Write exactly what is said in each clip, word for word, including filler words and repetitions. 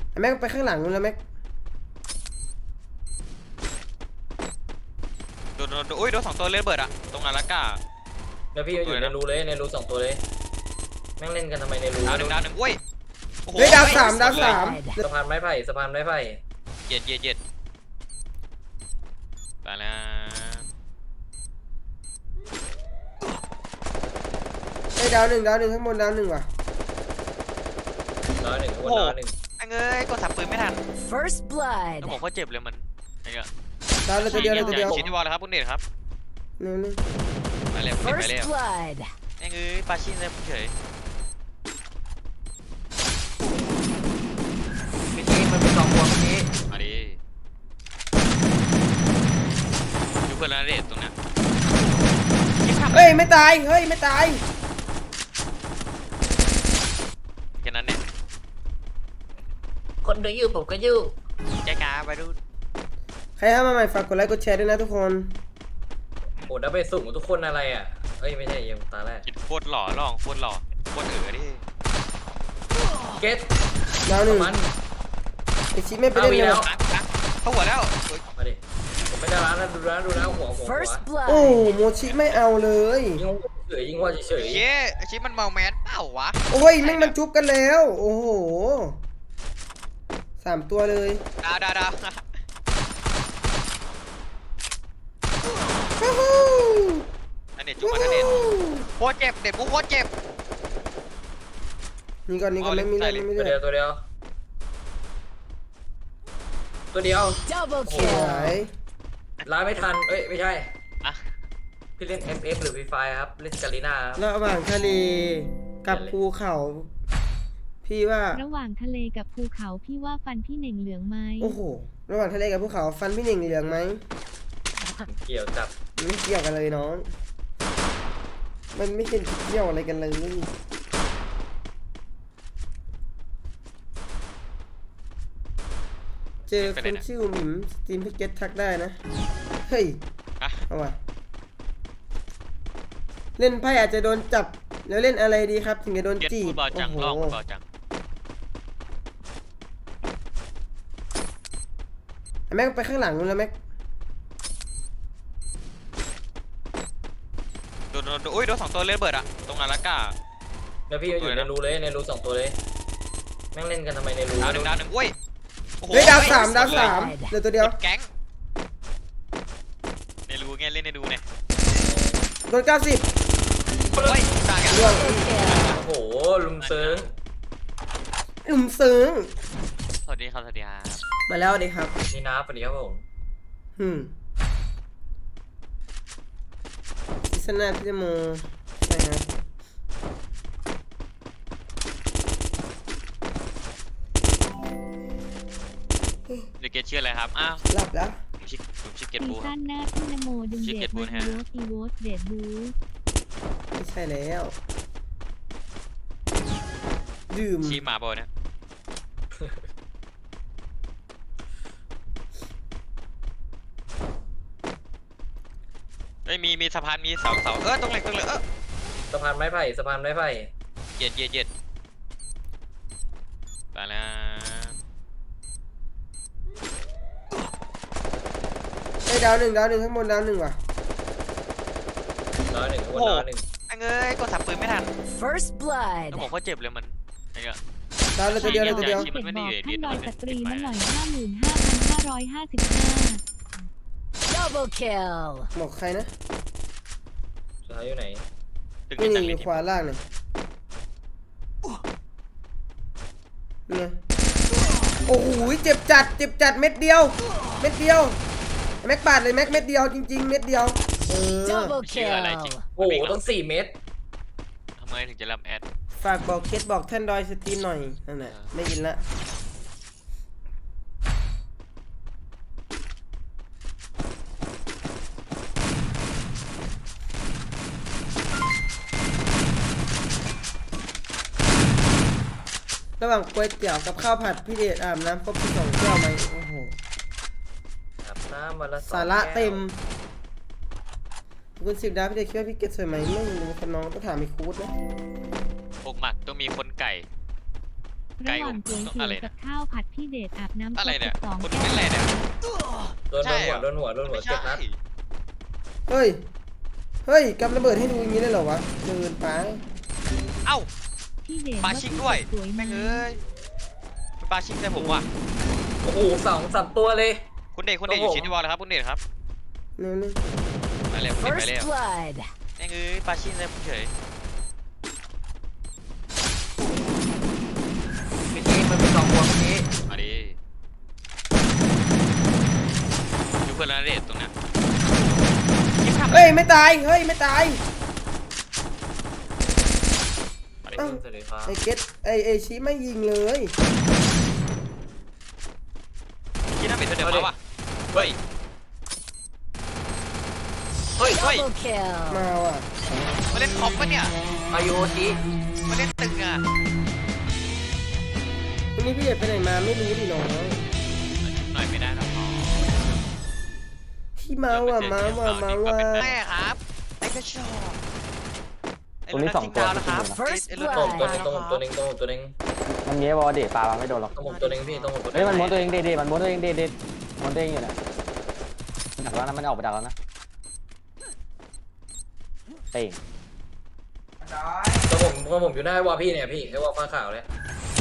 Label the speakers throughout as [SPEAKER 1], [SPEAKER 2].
[SPEAKER 1] แม็กไปข้างหลังนู้นแล้วแม็ก
[SPEAKER 2] โดนโดนอุ้ยโดนสองตัวเลยเบิดอะตรงอาราก้า
[SPEAKER 3] แล้วพี่อยู่ในรูเลยในรูสองตัวเลยแม่งเล่นกันทำไมในรู
[SPEAKER 2] ดาวหนึ่งดาวหนึ่งอุ้ย
[SPEAKER 1] เฮ้ยดาวสามดาวสาม
[SPEAKER 3] สะพานไม้ไผ่สะพานไม้ไผ่
[SPEAKER 2] เย็ดเย็ดเย็ดไปแล้ว
[SPEAKER 1] เฮ้ยดาวหนึ่งดาวหนึ่งข้างบนดาวหนึ่งว่ะ
[SPEAKER 3] ดาวหนึ่งวันดาวหนึ่ง
[SPEAKER 2] ไอ้เงยกดสับปืนไม่ทัน
[SPEAKER 4] First blood
[SPEAKER 2] แล้วผมก็เจ็บเลยมันไอ้เงี้ย
[SPEAKER 1] ดาวเลยตัวเดียวเลยตัวเดียว
[SPEAKER 2] ชิ้นที่วอลเลยครับคุณเดชครับ
[SPEAKER 1] หนึ่งหนึ่ง
[SPEAKER 2] ไปเลยไป
[SPEAKER 4] First
[SPEAKER 2] เลย
[SPEAKER 4] blood
[SPEAKER 2] ไอ้เงยปาชินเลยเฉย
[SPEAKER 3] พี่ทีมันเป็นสองหัวเมื่อกี้
[SPEAKER 2] มาดิดูเพื่อนแล้วเดชตรงเนี้ย
[SPEAKER 1] เฮ้ยไม่ตายเฮ้ยไม่ตาย
[SPEAKER 2] แค่นั้นเนี่ย
[SPEAKER 3] คนดูอยู่ผมก็อยู่
[SPEAKER 2] แจ๊กาไปดู
[SPEAKER 1] ใครเข้ามาใหม่ฝากกดไลค์กดแชร์ด้วยนะทุกคน
[SPEAKER 3] โอ้ดับเบิลสูงทุกคนอะไรอ่ะเอ้ยไม่ใช่ยังตาแรก
[SPEAKER 2] คิดโคตรหล่อลองโคตรหล่อโคตรเอ๋อดิ
[SPEAKER 3] เก็ต
[SPEAKER 1] ดาวหนึ่ง
[SPEAKER 3] มัน
[SPEAKER 1] ไอชิไม่ไปเล่นเลย
[SPEAKER 2] นะนะเข้าหัวแล้ว
[SPEAKER 3] มาดิผมไม่ได้ร้านนะดูร้านดูร้านหัวหัวหัว
[SPEAKER 4] First
[SPEAKER 1] โอ้
[SPEAKER 4] blood
[SPEAKER 1] โมชิไม่เอาเลย
[SPEAKER 3] ยิงเฉยยิงว่าเฉย
[SPEAKER 2] เย้ไอชิมันเมาแมสเปล่าวะ
[SPEAKER 1] โอ้ยแม่งมันจุบกันแล้ว โอ้โหสามตัวเลย
[SPEAKER 2] ดาวดาวดาว
[SPEAKER 1] ฮู้ฮู้
[SPEAKER 2] อันเด็ดจุ๊บมาอันเด็ดโคตรเจ็บเด็ดกูโคตรเจ็บ
[SPEAKER 1] นี่ก่อนนี่ก่อนไม่มีเลือดไม่มี
[SPEAKER 3] ตัว
[SPEAKER 1] เลือ
[SPEAKER 3] เดีย
[SPEAKER 1] ด
[SPEAKER 3] วตัวเดียวตัวเดียว
[SPEAKER 4] double
[SPEAKER 1] สวย
[SPEAKER 4] kill
[SPEAKER 3] ร้านไม่ทันเอ้ยไม่ใช่
[SPEAKER 2] อะ
[SPEAKER 3] พี่เล่น เอฟ เอฟ หรือ Free Fire ครับเล่นกาลีน่าครับ
[SPEAKER 1] ระหว่างทะเลกับภูเขา พี่ว่า
[SPEAKER 5] ระหว่างทะเลกับภูเขาพี่ว่าฟันพี่เหน่งเหลืองไหม
[SPEAKER 1] โอ้โหระหว่างทะเลกับภูเขาฟันพี่หนึ่งเหลืองไหม
[SPEAKER 3] เกี่ยวจับ
[SPEAKER 1] มันไม่เกี่ยวกันเลยน้องมันไม่เกี่ยวอะไรกันเลยเจอคนชื่อหมิมสตรีมพิกเก็ตทักได้นะเฮ้ย
[SPEAKER 2] อะ
[SPEAKER 1] เอาว่ะเล่นไพ่อาจจะโดนจับแล้วเล่นอะไรดีครับถึงจะโดน
[SPEAKER 2] เก็ต
[SPEAKER 1] จี
[SPEAKER 2] ฟู
[SPEAKER 1] บ
[SPEAKER 2] ดบอลจัง
[SPEAKER 1] โอ้
[SPEAKER 2] ลอง
[SPEAKER 1] โห
[SPEAKER 2] ฟูดบอลจัง
[SPEAKER 1] แม็กไปข้างหลังนู้นแล้วแม็ก
[SPEAKER 2] โดนโดนอุ้ยโดนสองตัวเลยเบิดอะตรงอาราก้า
[SPEAKER 3] แล้วพี่อยู่ในรูเลยในรูสองตัวเลยแม่งเล่นกันทำไมในรู
[SPEAKER 2] ดาวหนึ่งดาวหนึ่งอุ้ย
[SPEAKER 1] เฮ้ยดาวสามดาวสามเหลือตัวเดียว
[SPEAKER 2] แก๊งในรูไงเล่นในรูเนี่ย
[SPEAKER 1] โดนเก้าสิบ
[SPEAKER 2] เฮ้ยต่างกัน
[SPEAKER 1] ล่วง
[SPEAKER 3] โอ้โหลุมเซิร์ง
[SPEAKER 1] อึมซึ้ง
[SPEAKER 2] สวัสดีครับสวัสดีครับ
[SPEAKER 1] มาแล้วดีครับ
[SPEAKER 3] นี่นะปะเดี๋ยวผม
[SPEAKER 1] หืมพิซซ่าพิซซ่าโมใช่ครับ
[SPEAKER 2] เดเกตชื่ออะไรครับอ้าว
[SPEAKER 1] หลับแล้ว
[SPEAKER 2] ผมชื่อผมชื่อเกต
[SPEAKER 5] ซี
[SPEAKER 2] บูครั
[SPEAKER 5] ซั่
[SPEAKER 2] บ
[SPEAKER 5] นหน้าพี่นโมดึง
[SPEAKER 2] ชื่อ
[SPEAKER 5] เด
[SPEAKER 2] เก
[SPEAKER 5] ด
[SPEAKER 2] ตบู
[SPEAKER 5] มา
[SPEAKER 2] นะฮะ
[SPEAKER 5] อีโวสอีโวสเดดบู
[SPEAKER 1] ไม่ใช่แล้วดื่ม
[SPEAKER 2] ชีหมาบอลเนี่ยเฮ้ยมีมีสะพานมีเสาเสาเออตรงเหล็กตรงเหล็กเออ
[SPEAKER 3] สะพานไม้ไผ่สะพานไม้ไผ่
[SPEAKER 2] เย็ดเย็ดเย็ดไปแล้ว
[SPEAKER 1] ไอ้ยดาวหนึ่งดาวหนึ่งข้างบนดาวหนึ่งว่ะ
[SPEAKER 3] ดาวหนึ่งวันดาวหนึ่ง
[SPEAKER 2] ไอ้เงยกดสับปืนไม่ทัน
[SPEAKER 4] First blood
[SPEAKER 2] แล้วผมก็เจ็บเลยมันไอ้เงี้ย
[SPEAKER 1] ดาวเลยตัวเดียวเลยตัวเดียว
[SPEAKER 2] ที่
[SPEAKER 5] เส
[SPEAKER 2] มั
[SPEAKER 5] ร็
[SPEAKER 2] น
[SPEAKER 5] จ
[SPEAKER 2] ไม่
[SPEAKER 5] บ
[SPEAKER 2] ได้
[SPEAKER 5] อก
[SPEAKER 2] อยู่ใน
[SPEAKER 5] ท่านดอย
[SPEAKER 2] เดี
[SPEAKER 5] ส
[SPEAKER 2] ยว
[SPEAKER 5] ตรี
[SPEAKER 2] มัน
[SPEAKER 5] มาหน่อย
[SPEAKER 2] ติด
[SPEAKER 5] ห้าหมื่นห้าพันห้าร้อยห้าสิบห้า
[SPEAKER 4] double kill
[SPEAKER 1] บอกใครนะ
[SPEAKER 3] สุดท้ายอยู่ไหน
[SPEAKER 2] ตึก
[SPEAKER 1] นี่
[SPEAKER 2] นี้ตึก
[SPEAKER 1] นี่อ
[SPEAKER 2] นี้
[SPEAKER 1] ยู่ขวาล่างเนี่ยนี่ไงโอ้โหเจ็บจัดเจ็บจัดเม็ดเดียว เม็ดเดียวแม็กปาดเลยแม็กเม็ดเดียวจริง ๆ เม็ดเดียวเออ
[SPEAKER 4] double
[SPEAKER 2] ชื่ออะไรจริง
[SPEAKER 4] kill
[SPEAKER 3] โอ้โหต้องสี่เมตร
[SPEAKER 2] ทำไมถึงจะรับแอด
[SPEAKER 1] ฝากบอกเคสบอกท่านดอยสตรีมหน่อยนั่นแหละไม่ยินละระหว่างก๋วยเตี๋ยวกับข้าวผัดพี่เดชอาบน้ำครบสิบสองแก้วไหมโอ้โห
[SPEAKER 3] อาบน้ำมาละ
[SPEAKER 1] สาระเต็มคุณสิบดาวพี่เดชคิดว่าพี่เกดสวยไหมไม่รู้คนน้องต้องถามอีกคูดนะ
[SPEAKER 2] อกหมักต้องมีคนไก่ไกล
[SPEAKER 5] ระห
[SPEAKER 2] ผ
[SPEAKER 5] ว่าง
[SPEAKER 2] ม
[SPEAKER 5] ก๋วย
[SPEAKER 2] ต้อง
[SPEAKER 5] เตี๋
[SPEAKER 2] อะไร
[SPEAKER 5] ยวกั
[SPEAKER 2] เนี่ย
[SPEAKER 5] บข้าวผัดพี่เดชอาบน้ำ
[SPEAKER 2] อะไรเนี่ย
[SPEAKER 5] สอง
[SPEAKER 2] คุณ
[SPEAKER 5] แก้
[SPEAKER 2] เป็นอะไรเนี่ย
[SPEAKER 3] โดน
[SPEAKER 2] ใช่
[SPEAKER 3] โดน
[SPEAKER 2] เหร
[SPEAKER 3] หัว
[SPEAKER 2] อ
[SPEAKER 3] โดนหัวโดนหัว
[SPEAKER 2] ไม่
[SPEAKER 3] เจ็
[SPEAKER 2] ใช่
[SPEAKER 3] บนัด
[SPEAKER 1] เฮ้ย เฮ้ยกำระเบิดให้ดูอย่างนี้ได้เหรอวะเดินไป
[SPEAKER 2] เอ้า
[SPEAKER 5] พี่เดช
[SPEAKER 2] ปาชิงด้วย
[SPEAKER 5] สวย
[SPEAKER 2] แม่
[SPEAKER 5] มาง ก
[SPEAKER 2] เอ้ยเป็นปาชิงใส่ผมว่ะ
[SPEAKER 3] โอ้โหสองสามตัวเลย
[SPEAKER 2] คุณเดชคุณเดชอยู่ชิดที่วอลเลยครับคุณเดชครับ
[SPEAKER 1] นี่นี่
[SPEAKER 2] ไปเร็วไป
[SPEAKER 4] First
[SPEAKER 2] เร็ว
[SPEAKER 4] blood.
[SPEAKER 2] แม่งเอ้ยปาชิงใส่ผมเฉย
[SPEAKER 3] เมื่อกี้มันเป็นสองตัวเมื่อกี้
[SPEAKER 2] มาดิอยู่เพื่อนแล้วเดชตรงเนี้ยยิงขับ
[SPEAKER 1] เฮ้ยไม่ตาย เฮ้ยไม่ตาย
[SPEAKER 2] มาดิ
[SPEAKER 1] เอ้า
[SPEAKER 3] สวัสดีครับ
[SPEAKER 1] ไอเกตไอเอชิไม่ยิงเลย
[SPEAKER 2] ยิงหน้าเป็นเธอเดิมมาว่ะเฮ้ย
[SPEAKER 3] เฮ้ย
[SPEAKER 2] เฮ้ย
[SPEAKER 4] Double kill.
[SPEAKER 1] มาว่ะ
[SPEAKER 2] มาเล่นคอมปะเนี่ย
[SPEAKER 3] อายุที
[SPEAKER 2] มาเล่นตึงอ่ะ
[SPEAKER 1] วันนี้พี่เอกไปไหนมาไม่รู้ดิน้อง
[SPEAKER 2] หน่อยไม่ได้นะพ่อ
[SPEAKER 1] พี่มาว่ะมาว่ะมาว่ะ
[SPEAKER 2] แม่ครับไอ้กระชอกไอ้
[SPEAKER 6] ตรงนี้
[SPEAKER 2] รุ่น
[SPEAKER 6] สอง
[SPEAKER 2] ทิ้ง
[SPEAKER 6] ตัว
[SPEAKER 2] ดาวนะครับ
[SPEAKER 4] First
[SPEAKER 2] ไอ้รุ่น
[SPEAKER 3] ตรง
[SPEAKER 2] ทิ้ง
[SPEAKER 3] ตัว
[SPEAKER 2] ดาว
[SPEAKER 3] นึงตรงตัวนึงตรงตัวนึง
[SPEAKER 6] มันมีไอ้บอลเดทปลาไม่โดนหรอก
[SPEAKER 3] ตรงตัวนึงพี่ตรงตัวนึง
[SPEAKER 6] เฮ้ยมันม้วนตัวเองเด็ดๆมันม้วนตัวเองเด็ดๆม้วนตัวเองอยู่เนี่ยมันดักแล้วนะมันออกไปดักแล้วนะเต่ง
[SPEAKER 3] ตัวผมตัวผมอยู่หน้าไอ้วอลพี่เนี่ยพี่ไอ้วอลฟ้าขาวเลย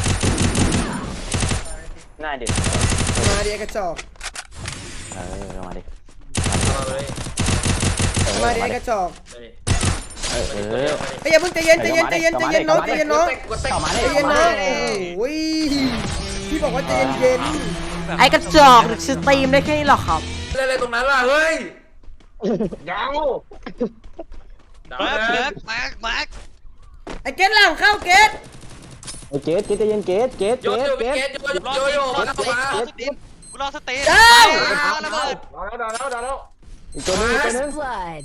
[SPEAKER 6] หน้าเด็ด
[SPEAKER 1] มาดิไอกระจอก
[SPEAKER 6] เออมาดิ
[SPEAKER 3] มาเลย
[SPEAKER 6] เออ
[SPEAKER 1] มาดิ
[SPEAKER 6] มา
[SPEAKER 1] ไอ
[SPEAKER 6] ดิ
[SPEAKER 1] กระจอก
[SPEAKER 3] เลย
[SPEAKER 6] เออเออ
[SPEAKER 1] ไอ้ยอย่าเพิ่งใจเย็นใจเย็นใจเย็นใจเย็นน้องใจเย็นน้อง
[SPEAKER 3] กดเตะ
[SPEAKER 6] เข้ามาดิ
[SPEAKER 1] ใจเย็นน้องโอ้ยพี่บอกว่าใจเย็นเย็น
[SPEAKER 7] ไอ้กระจอกสตรีมได้แค่นี้หรอครับ
[SPEAKER 3] เล่นอะไรตรงนั้นล่ะเฮ้ยยาว
[SPEAKER 2] แม็กแม็กแม็กแม็ก
[SPEAKER 1] ไอ้เกตหลังเข้าเกต
[SPEAKER 6] ไอ้เกตเกตใจเย็นเกตเกต
[SPEAKER 3] โย
[SPEAKER 6] เก
[SPEAKER 3] น
[SPEAKER 6] ต
[SPEAKER 3] โย
[SPEAKER 6] เก
[SPEAKER 3] น
[SPEAKER 6] ต
[SPEAKER 3] โยนโยนโยน
[SPEAKER 2] รอ
[SPEAKER 3] เข้า
[SPEAKER 2] ส
[SPEAKER 3] มา
[SPEAKER 2] ตีนกูรอสตีน
[SPEAKER 1] เอ้า
[SPEAKER 2] ระเบิด
[SPEAKER 3] ดาวแล้วดาวแล้วดาวแล้ว
[SPEAKER 6] อีกตัวนึงอีกตัวนึง
[SPEAKER 4] First blood.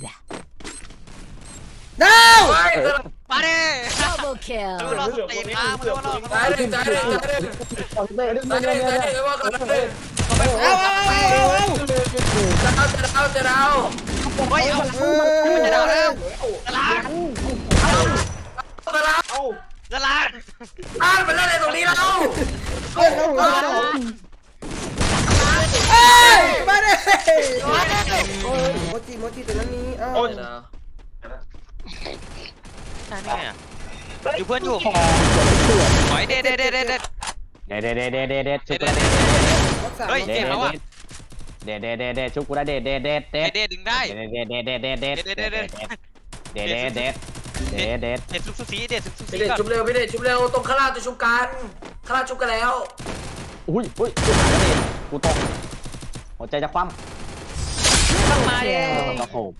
[SPEAKER 1] ดาว
[SPEAKER 3] ไป
[SPEAKER 2] มาดิ
[SPEAKER 4] Double
[SPEAKER 2] กูรอ
[SPEAKER 4] kill.
[SPEAKER 2] สตีนครับกูรอส
[SPEAKER 3] ตายเลยตายเลยตายเลย
[SPEAKER 6] เตะเตะ
[SPEAKER 3] ตาย
[SPEAKER 6] เตะ
[SPEAKER 3] เลยตายเลยว่ากันเลย
[SPEAKER 1] เอาเอาเอาเอาเอา
[SPEAKER 3] จะเอาจะเอาจะเอา
[SPEAKER 2] เฮ้ยเอา
[SPEAKER 1] เออ
[SPEAKER 2] มันจะดาวแล้วตลาด
[SPEAKER 3] จะเอา
[SPEAKER 2] ตลาด
[SPEAKER 3] อ้าวมันเล่นอะไรตรงนี้เรา
[SPEAKER 1] เฮ้ยเอาเอาเอาเอ้ยมาดิโมจิโมจิตัวนั้นนี้เอ้า
[SPEAKER 2] ใช่เนี่ยอยู่เพื่อนอยู่หอยเด็ดเด็ดเด็ดเด็ดเด็ด
[SPEAKER 6] เด็ดเด็ดเด็ดเด็ดเด็ดเด็ดชุบ
[SPEAKER 2] เด็
[SPEAKER 6] กู
[SPEAKER 2] ด
[SPEAKER 6] ได้
[SPEAKER 2] เด็ด
[SPEAKER 1] รักษา
[SPEAKER 2] เฮ้ย
[SPEAKER 1] เด็
[SPEAKER 2] เจ็บแล้วว่ะ
[SPEAKER 6] เด็ดเด็ดเด็ดเด็ดชุบกูได้เด็ดเด็ดเด็ดเด็ด
[SPEAKER 2] เด็ดดึงได้
[SPEAKER 6] เด็ดเด็ดเด็ดเด็ดเด็ดเด็ดเด็ดเด็ดเด็ดเด็ดเด็ดเด็ดเด็ดเด็ด
[SPEAKER 2] เด็ดซุปซูซีเด็ดซุปซูซี
[SPEAKER 3] พี่เด็ก
[SPEAKER 2] ก่อน
[SPEAKER 3] ชุบเร็วพี่เด็กชุบเร็วตรงข้างล่างจะชุบกันข้างล่างชุบกันแล้ว
[SPEAKER 6] อุ้ยอุ้ยกูตกหัวใจจะคว่ำ
[SPEAKER 2] ต้องมาดิ
[SPEAKER 6] โอ้โห